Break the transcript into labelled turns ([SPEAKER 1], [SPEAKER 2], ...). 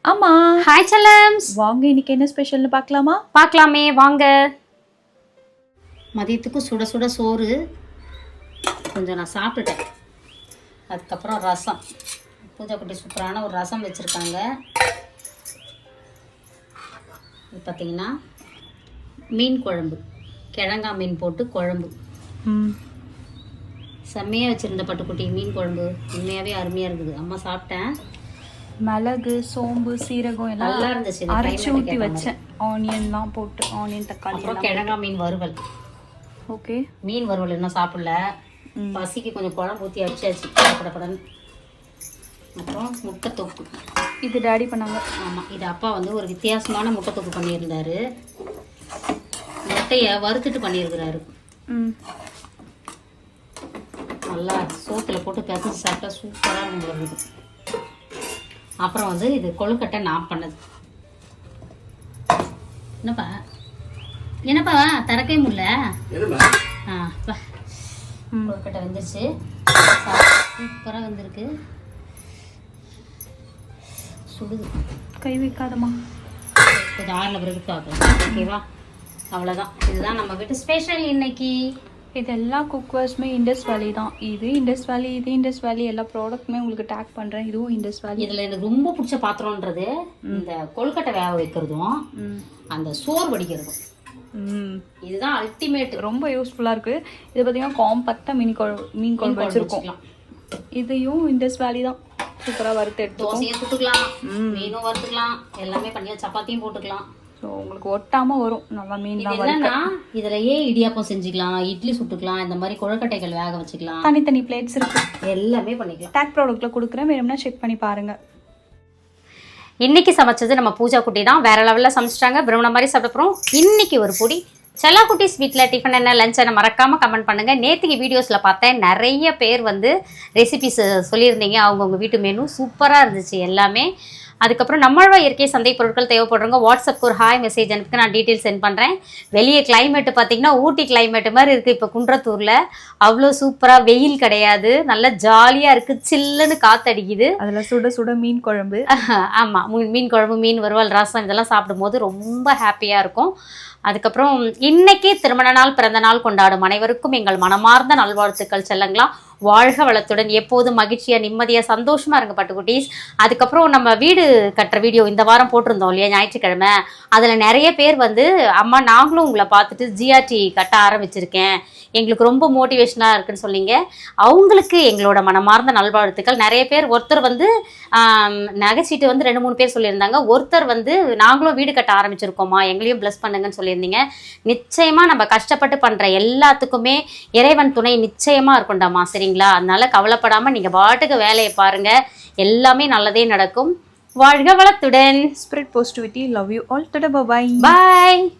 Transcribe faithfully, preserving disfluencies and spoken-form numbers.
[SPEAKER 1] ஆமா.
[SPEAKER 2] ஹாய் செல்லம்ஸ்.
[SPEAKER 1] வாங்க இன்னைக்கு என்ன ஸ்பெஷல்னு பார்க்கலாமா?
[SPEAKER 2] பார்க்கலாமே வாங்க. மதியத்துக்கு சுட சுட சோறு கொஞ்சம் நான் சாப்பிட்டுட்டேன். அதுக்கப்புறம் ரசம், பூஜா குட்டி சூப்பரான ஒரு ரசம் வச்சுருக்காங்க. இது பார்த்திங்கன்னா மீன் குழம்பு, கிழங்கா மீன் போட்டு குழம்பு.
[SPEAKER 1] ம்
[SPEAKER 2] செம்மையாக வச்சுருந்த பட்டுக்குட்டி மீன் குழம்பு உண்மையாகவே அருமையாக இருக்குது. அம்மா சாப்பிட்டேன்.
[SPEAKER 1] மிளகு, சோம்பு, சீரகம் எல்லாம்
[SPEAKER 2] நல்லா இருந்துச்சு.
[SPEAKER 1] அரைச்சி ஊற்றி வச்சேன். ஆனியன்லாம் போட்டு, ஆனியன் தக்காளி.
[SPEAKER 2] அப்புறம் கிழங்கா மீன் வறுவல்.
[SPEAKER 1] ஓகே.
[SPEAKER 2] மீன் வறுவல் இன்னும் சாப்பிடல, பசிக்கு கொஞ்சம் குழம்பு ஊற்றி அடிச்சாச்சு படப்படன்னு. அப்புறம் முட்டை தொக்கு,
[SPEAKER 1] இது டேடி பண்ணாங்க.
[SPEAKER 2] ஆமாம், இது அப்பா வந்து ஒரு வித்தியாசமான முட்டை தொக்கு பண்ணியிருந்தாரு. முட்டையை வறுத்துட்டு பண்ணியிருக்கிறாரு.
[SPEAKER 1] ம்
[SPEAKER 2] நல்லா சோத்தில் போட்டு பிசைஞ்சு சாப்பிட்டா சூப்பராக இருக்கும். அப்புறம் வந்து இது கொழுக்கட்டை நான் பண்ணது. என்னப்பா என்னப்பா திறக்கவே முடியல. ஆ கொழுக்கட்டை வந்துருச்சு, சூப்பராக வந்திருக்கு. சுடுது,
[SPEAKER 1] கை வைக்காதம்மா.
[SPEAKER 2] கொஞ்சம் ஆறில் பிறகு பார்க்கலாம். ஓகேவா? அவ்வளோதான். இதுதான் நம்ம வீட்டு ஸ்பெஷல் இன்னைக்கு.
[SPEAKER 1] இது எல்லா குக்வேர்ஸுமே இண்டஸ் வேலி தான். இது இண்டஸ் வேலி, இது இண்டஸ் வேலி. எல்லா ப்ராடக்ட்டுமே உங்களுக்கு டேக் பண்ணுறேன். இதுவும் இண்டஸ் வேலி.
[SPEAKER 2] இதில் எனக்கு ரொம்ப பிடிச்ச பாத்திரம்ன்றது இந்த கொழுக்கட்டை வேக வைக்கிறதும் அந்த சோறு வடிக்கிறதும். இதுதான் அல்டிமேட், ரொம்ப
[SPEAKER 1] யூஸ்ஃபுல்லாக இருக்குது. இது பார்த்தீங்கன்னா காம்பேக்டாக மீன் குழம்பு மீன் குழம்பு வச்சுருக்கோம். இதையும் இண்டஸ் வேலி தான். சூப்பராக வறுத்து எடுத்து
[SPEAKER 2] தோசையும் சுட்டுக்கலாம், மீனும் வறுத்துக்கலாம், எல்லாமே பண்ணி சப்பாத்தியும் போட்டுக்கலாம்.
[SPEAKER 1] ஸோ உங்களுக்கு ஒட்டாமல் வரும் நல்லா மீன்.
[SPEAKER 2] என்னன்னா இதுலயே இடியாப்பம் செஞ்சுக்கலாம், இட்லி சுட்டுக்கலாம், இந்த மாதிரி கொழுக்கட்டைகள் வேக வச்சுக்கலாம்.
[SPEAKER 1] தனித்தனி பிளேட்ஸ் இருக்கு,
[SPEAKER 2] எல்லாமே பண்ணிக்கலாம்.
[SPEAKER 1] டேக் ப்ராடக்ட்ல கொடுக்குறேன், வேணும்னா செக் பண்ணி பாருங்க.
[SPEAKER 2] இன்னைக்கு சமைச்சது நம்ம பூஜா குட்டி தான். வேற லெவலில் சமைச்சிட்டாங்க. விரும்பின மாதிரி சாப்பிட்றோம். இன்னைக்கு ஒரு பொடி செல்லா குட்டிஸ் வீட்டில் டிஃபன் என்ன லஞ்ச் என்ன மறக்காமல் கமெண்ட் பண்ணுங்கள். நேற்றுக்கு வீடியோஸில் பார்த்தேன், நிறைய பேர் வந்து ரெசிபிஸ் சொல்லியிருந்தீங்க. அவங்கவுங்க வீட்டு மெனு சூப்பராக இருந்துச்சு எல்லாமே. அதுக்கப்புறம் நம்மளோட இயற்கை சந்தை பொருட்கள் தேவைப்படுறவங்க வாட்ஸ்அப்க்கு ஒரு ஹாய் மெசேஜ் அனுப்புக்கு நான் டீட்டெயில்ஸ் சென்ட் பண்ணுறேன். வெளியே கிளைமேட்டு பார்த்திங்கன்னா ஊட்டி கிளைமேட்டு மாதிரி இருக்குது இப்போ குன்றத்தூரில். அவ்வளோ சூப்பராக, வெயில் கிடையாது, நல்லா ஜாலியாக இருக்குது, சில்லுன்னு காற்றடிக்குது.
[SPEAKER 1] அதில் சுட சுட மீன் குழம்பு.
[SPEAKER 2] ஆமாம், மீன் குழம்பு, மீன் வறுவல், ரசம் இதெல்லாம் சாப்பிடும்போது ரொம்ப ஹாப்பியாக இருக்கும். அதுக்கப்புறம் இன்னைக்கு திருமண நாள், பிறந்த நாள் கொண்டாடும் அனைவருக்கும் எங்கள் மனமார்ந்த நல்வாழ்த்துக்கள் செல்லங்களா. வாழ்க வளத்துடன், எப்போதும் மகிழ்ச்சியாக நிம்மதியாக சந்தோஷமாக இருங்க பட்டுக்குட்டீஸ். அதுக்கப்புறம் நம்ம வீடு கட்டுற வீடியோ இந்த வாரம் போட்டிருந்தோம் இல்லையா, ஞாயிற்றுக்கிழமை. அதில் நிறைய பேர் வந்து அம்மா நாங்களும் உங்களை பார்த்துட்டு ஜிஆர்டி கட்ட ஆரம்பிச்சிருக்கேன், எங்களுக்கு ரொம்ப மோட்டிவேஷனாக இருக்குன்னு சொன்னீங்க. அவங்களுக்கு எங்களோட மனமார்ந்த நல்வாழ்த்துக்கள். நிறைய பேர், ஒருத்தர் வந்து நகைச்சீட்டு வந்து ரெண்டு மூணு பேர் சொல்லியிருந்தாங்க. ஒருத்தர் வந்து நாங்களும் வீடு கட்ட ஆரம்பிச்சிருக்கோம்மா, எங்களையும் ப்ளஸ் பண்ணுங்கன்னு சொல்லியிருந்தீங்க. நிச்சயமாக நம்ம கஷ்டப்பட்டு பண்ணுற எல்லாத்துக்குமே இறைவன் துணை நிச்சயமாக இருக்கும்டாமா, சரிங்களா? அதனால கவலைப்படாமல் நீங்கள் பாட்டுக்கு வேலையை பாருங்கள், எல்லாமே நல்லதே நடக்கும். வாழ்க வளத்துடன்.
[SPEAKER 1] Spirit positivity. Love you all. Tata, bye bye.
[SPEAKER 2] Bye.